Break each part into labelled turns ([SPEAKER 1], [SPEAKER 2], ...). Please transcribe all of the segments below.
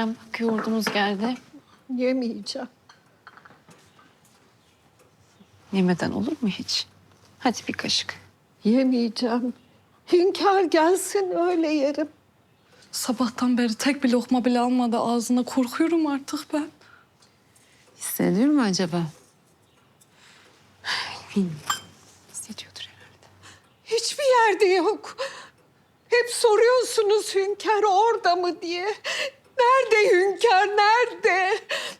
[SPEAKER 1] yiyeceğim. Bak yoğurdumuz geldi.
[SPEAKER 2] Yemeyeceğim.
[SPEAKER 1] Yemeden olur mu hiç? Hadi bir kaşık.
[SPEAKER 2] Yemeyeceğim. Hünkâr gelsin öyle yerim.
[SPEAKER 3] Sabahtan beri tek bir lokma bile almadı ağzına. Korkuyorum artık ben.
[SPEAKER 1] Hissediyor mu acaba? Bilmiyorum. Hissediyordur herhalde.
[SPEAKER 2] Hiçbir yerde yok. Hep soruyorsunuz hünkâr orada mı diye. Nerede hünkâr, nerede?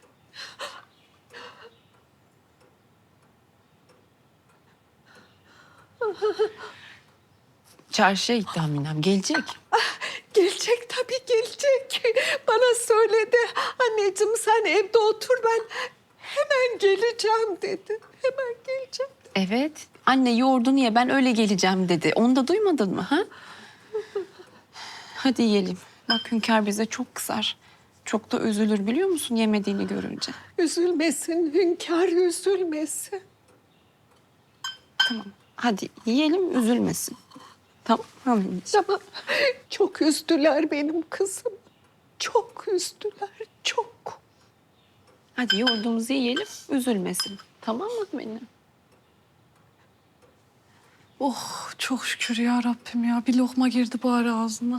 [SPEAKER 1] Çarşıya gitti Haminem. Gelecek.
[SPEAKER 2] Gelecek tabii gelecek. Bana söyledi. Anneciğim sen evde otur ben hemen geleceğim dedi. Hemen geleceğim.
[SPEAKER 1] Evet. Anne yoğurdunu ye ben öyle geleceğim dedi. Onu da duymadın mı ha? Hadi yiyelim. Bak hünkâr bize çok kızar. Çok da üzülür biliyor musun yemediğini görünce.
[SPEAKER 2] Üzülmesin hünkâr üzülmesin.
[SPEAKER 1] Tamam. Hadi yiyelim üzülmesin. Tamam anneciğim.
[SPEAKER 2] Ama çok üzdüler benim kızım. Çok üzdüler, çok.
[SPEAKER 1] Hadi yoğurdumuzu yiyelim üzülmesin. Tamam mı benim?
[SPEAKER 3] Oh çok şükür ya Rabbim ya. Bir lokma girdi bari ağzına.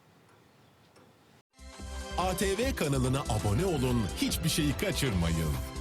[SPEAKER 4] ATV kanalına abone olun, hiçbir şeyi kaçırmayın.